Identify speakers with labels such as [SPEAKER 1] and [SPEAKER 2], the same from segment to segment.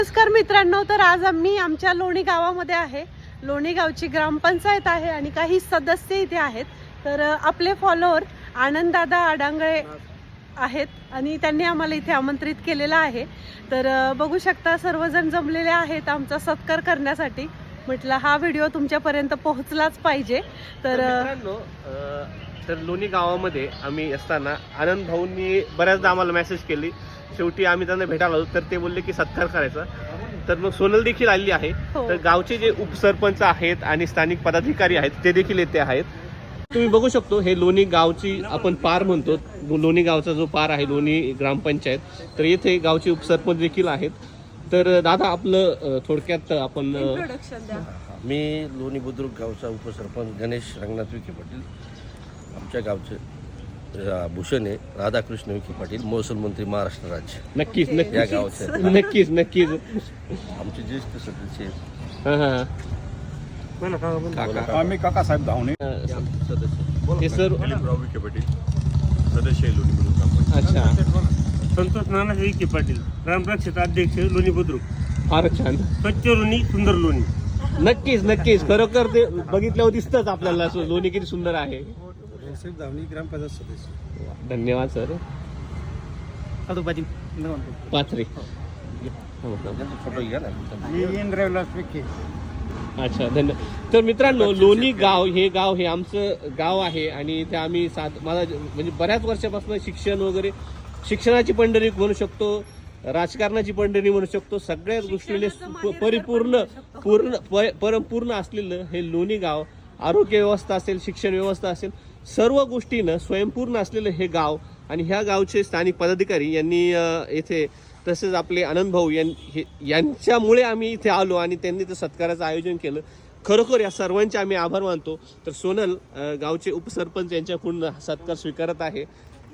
[SPEAKER 1] नमस्कार मित्रांनो, तर आज आम्ही आमच्या लोणी गावामध्ये आहे. लोणी गावची ग्रामपंचायत आहे आणि काही सदस्य इथे आहेत. तर आपले फॉलोअर आनंददादा आडांगळे आहेत आणि त्यांनी आम्हाला इथे आमंत्रित केलेलं आहे. तर बघू शकता सर्वजण जमलेले आहेत आमचा सत्कार करण्यासाठी. म्हटलं हा व्हिडिओ तुमच्यापर्यंत पोहोचलाच पाहिजे. तर
[SPEAKER 2] लोणी गावामध्ये आम्ही असताना आनंद भाऊंनी बऱ्याचदा आम्हाला मेसेज केली. शेवटी आम्ही त्यांना भेटायला आलो तर ते बोलले की सत्कार करायचा. तर मग सोनल देखील आलेली आहे. तर गावचे जे उपसरपंच आहेत आणि स्थानिक पदाधिकारी आहेत ते देखील येथे आहेत. तुम्ही बघू शकतो हे लोणी गावची आपण पार म्हणतो. लोणी गावचा जो पार आहे लोणी ग्रामपंचायत, तर येथे गावचे उपसरपंच देखील आहेत. तर दादा आपलं थोडक्यात आपण
[SPEAKER 1] इंट्रोडक्शन द्या.
[SPEAKER 3] मी लोणी बुद्रुक गावचा उपसरपंच गणेश रंगनाथ विखे पाटील. आमच्या गावचे भूषण आहे राधाकृष्ण विखे पाटील, महसूल मंत्री महाराष्ट्र राज्य.
[SPEAKER 2] नक्कीच
[SPEAKER 3] या
[SPEAKER 2] नक्कीच
[SPEAKER 3] गावचे
[SPEAKER 2] नक्कीच नक्कीच
[SPEAKER 3] आमचे ज्येष्ठ सदस्य
[SPEAKER 4] आम्ही काकासाहेब धावणे
[SPEAKER 3] सदस्य
[SPEAKER 2] हे सर
[SPEAKER 4] विखे पाटील सदस्य आहे लोणी बुद्रुक ग्रामपंचायत.
[SPEAKER 2] अच्छा,
[SPEAKER 5] संतोष नाना विखे पाटील, ग्रामपंचायत अध्यक्ष लोणी बुद्रुक.
[SPEAKER 2] फार छान.
[SPEAKER 5] स्वच्छ लोणी सुंदर लोणी.
[SPEAKER 2] नक्कीच नक्कीच खरोखर ते बघितल्यावर दिसतच आपल्याला लोणी किती सुंदर आहे.
[SPEAKER 4] धावणे ग्रामपंचायत सदस्य.
[SPEAKER 2] धन्यवाद सर. पाथरे.
[SPEAKER 3] त्यांचा फोटो घ्या ना.
[SPEAKER 2] अच्छा, धन्यवाद. तर मित्रांनो लोणी गाव हे आमचं गाव आहे आणि इथे आम्ही मला म्हणजे बऱ्याच वर्षापासून शिक्षण वगैरे शिक्षणाची पंढरी म्हणू शकतो, राजकारणाची पंढरी म्हणू शकतो, सगळ्याच गोष्टीने परिपूर्ण असलेलं हे लोणी गाव. आरोग्य व्यवस्था असेल, शिक्षण व्यवस्था असेल, सर्व गोष्टीनं स्वयंपूर्ण असलेलं हे गाव. आणि ह्या गावचे स्थानिक पदाधिकारी यांनी येथे तसेच आपले आनंद भाऊ यांच्यामुळे आम्ही इथे आलो आणि त्यांनी ते सत्काराचं आयोजन केलं. खरोखर या सर्वांचे आम्ही आभार मानतो. तर सोनल गावचे उपसरपंच यांच्याकडून सत्कार स्वीकारत आहे.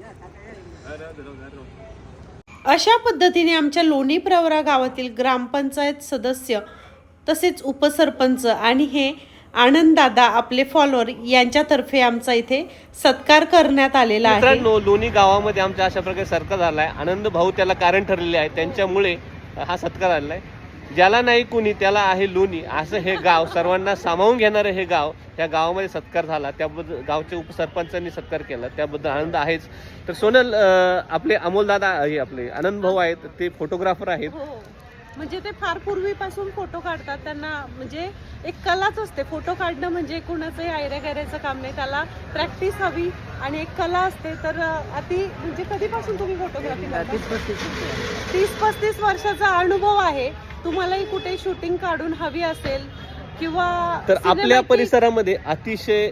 [SPEAKER 1] अशा पद्धतीने आमच्या लोणी प्रवरा गावातील ग्रामपंचायत सदस्य तसेच उपसरपंच आणि हे आनंददादा आपले फॉलोअर यांच्यातर्फे आमचा इथे सत्कार करण्यात आलेला आहे.
[SPEAKER 2] मित्रांनो लोणी गावामध्ये आमच्या अशा प्रकारे सत्कार झाला आहे. आनंद भाऊ त्याला कारण ठरलेले आहे, त्यांच्यामुळे हा सत्कार झालेला आहे. ज्याला नाही कुणी त्याला आहे लोणी असं हे गाव, सर्वांना सामावून घेणारं हे गाव. त्या गावामध्ये सत्कार झाला त्याबद्दल गावच्या उपसरपंचांनी सत्कार केला त्याबद्दल आनंद आहेच. तर सोनल आपले अमोलदादा हे आपले आनंद भाऊ आहेत, ते फोटोग्राफर आहेत.
[SPEAKER 1] म्हणजे ते फार पूर्वीपासून फोटो काढतात. त्यांना म्हणजे एक कलाच असते. फोटो काढणं म्हणजे कुणाचंही आयऱ्या गैऱ्याचं काम नाही, त्याला प्रॅक्टिस हवी आणि एक कला असते. तर म्हणजे कधीपासून तुम्ही फोटोग्राफी करता? 30-35 वर्षाचा अनुभव आहे. तुम्हालाही कुठे शूटिंग काढून हवी असेल किंवा
[SPEAKER 2] तर आपल्या परिसरामध्ये अतिशय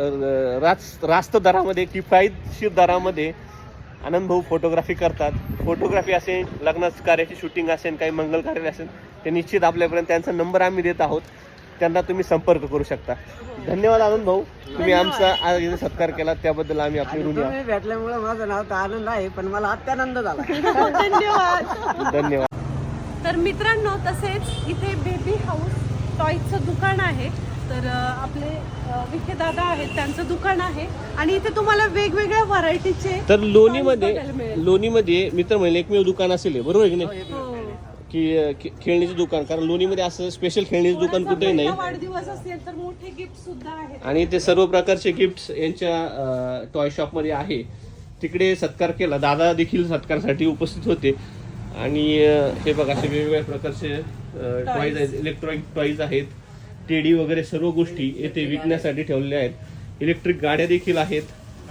[SPEAKER 2] रास्त दरामध्ये, किफायतशीर दरामध्ये आनंद भाऊ फोटोग्राफी करतात. फोटोग्राफी असेल, लग्नाचं कार्याची शूटिंग असेल, काही मंगल कार्य असेल, ते निश्चित आपल्यापर्यंत त्यांचा नंबर आम्ही देत आहोत. त्यांना तुम्ही संपर्क करू शकता. धन्यवाद आनंद भाऊ, तुम्ही आमचा आज इथे सत्कार केला त्याबद्दल आम्ही आपली ऋणी आहोत.
[SPEAKER 6] भेटल्यामुळे माझं नाव तर आनंद आहे, पण मला अत्यानंद झाला.
[SPEAKER 1] धन्यवाद.
[SPEAKER 2] धन्यवाद.
[SPEAKER 1] तर मित्रांनो तसेच इथे बेबी हाऊस टॉयचं दुकान आहे. तर आपले विखे दादा आहेत, त्यांचं दुकान आहे आणि इथे तुम्हाला वेगवेगळ्या व्हरायटीचे.
[SPEAKER 2] तर लोणीमध्ये मित्र म्हणजे एकमेव दुकान असेल, बरोबर आहे की नाही, की खेळणीचं दुकान. कारण लोणीमध्ये असं स्पेशल खेळणीचं दुकान कुठेही नाही.
[SPEAKER 1] वाढदिवस असेल तर मोठे गिफ्ट सुद्धा आहेत
[SPEAKER 2] आणि ते सर्व प्रकारचे गिफ्ट यांच्या टॉय शॉप मध्ये आहे. तिकडे सत्कार केला, दादा देखील सत्कारासाठी उपस्थित होते. आणि हे बघा असे वेगवेगळ्या प्रकारचे टॉईज आहेत, इलेक्ट्रॉनिक टॉईज आहेत, टेडी वगैरे सर्व गोष्टी येथे विकण्यासाठी ठेवलेल्या आहेत. इलेक्ट्रिक गाड्या देखील आहेत,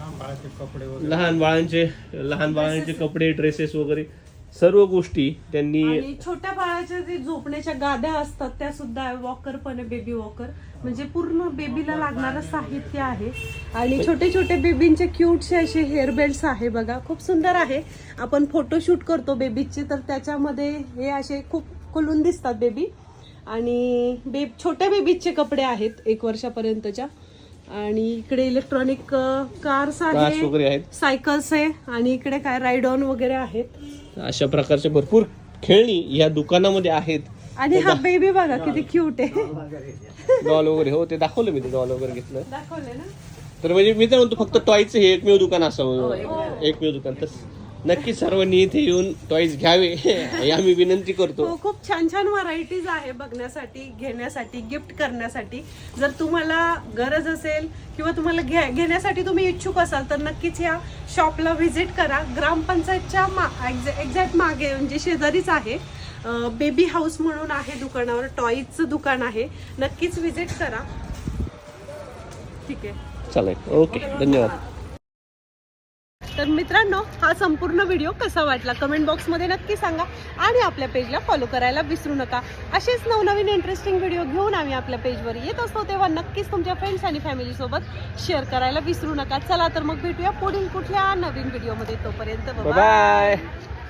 [SPEAKER 2] लहान बाळांचे कपडे, ड्रेसेस वगैरे सर्व गोष्टी त्यांनी.
[SPEAKER 1] आणि छोट्या बाळाच्या जे झोपण्याच्या गाद्या असतात त्या सुद्धा, वॉकर पण आहे, बेबी वॉकर. म्हणजे पूर्ण बेबीला लागणारं साहित्य आहे. आणि छोटे छोटे बेबींचे क्यूटचे असे हेअर बेल्ट्स आहे बघा, खूप सुंदर आहे. आपण फोटोशूट करतो बेबीचे तर त्याच्यामध्ये हे असे खूप खुलून दिसतात बेबी. आणि छोट्या बेबीचे कपडे आहेत 1 वर्षापर्यंतच्या. आणि इकडे इलेक्ट्रॉनिक कार्स आहेत, सायकल्स आहे आणि इकडे काय राईड ऑन वगैरे आहेत.
[SPEAKER 2] अशा प्रकारचे भरपूर खेळणी या दुकानामध्ये आहेत.
[SPEAKER 1] आणि हा बेबी बघा किती क्यूट आहे.
[SPEAKER 2] डॉल वगैरे, हो ते दाखवलं मी, ते डॉल वगैरे घेतलं.
[SPEAKER 1] दाखवले ना.
[SPEAKER 2] तर म्हणजे मी तर म्हणतो फक्त टॉयचं हे एकमेव दुकान असावं, एकमेव दुकान. नक्की सर्वांनी इथे येऊन टॉईज घ्यावे ही आम्ही विनंती करतो.
[SPEAKER 1] हो, खूप छान छान व्हरायटीज आहे बघण्यासाठी, घेण्यासाठी, गिफ्ट करण्यासाठी. जर तुम्हाला गरज असेल किंवा तुम्हाला घेण्यासाठी तुम्ही इच्छुक असाल तर नक्कीच या शॉपला व्हिजिट करा. ग्रामपंचायतच्या एक्झॅक्ट मागे म्हणजे शेजारीच आहे. बेबी हाऊस म्हणून आहे दुकानावर, टॉईजचं दुकान आहे. नक्कीच व्हिजिट करा. ठीक आहे,
[SPEAKER 2] चालेल, ओके, धन्यवाद.
[SPEAKER 1] तर मित्रांनो, हा संपूर्ण व्हिडिओ कसा वाटला कमेंट बॉक्समध्ये नक्की सांगा आणि आपल्या पेजला फॉलो करायला विसरू नका. असेच नवनवीन इंटरेस्टिंग व्हिडिओ घेऊन आम्ही आपल्या पेजवर येत असतो, तेव्हा नक्कीच तुमच्या फ्रेंड्स आणि फॅमिलीसोबत शेअर करायला विसरू नका. चला तर मग भेटूया पुढील कुठल्या नवीन व्हिडिओमध्ये. तोपर्यंत
[SPEAKER 2] बाय.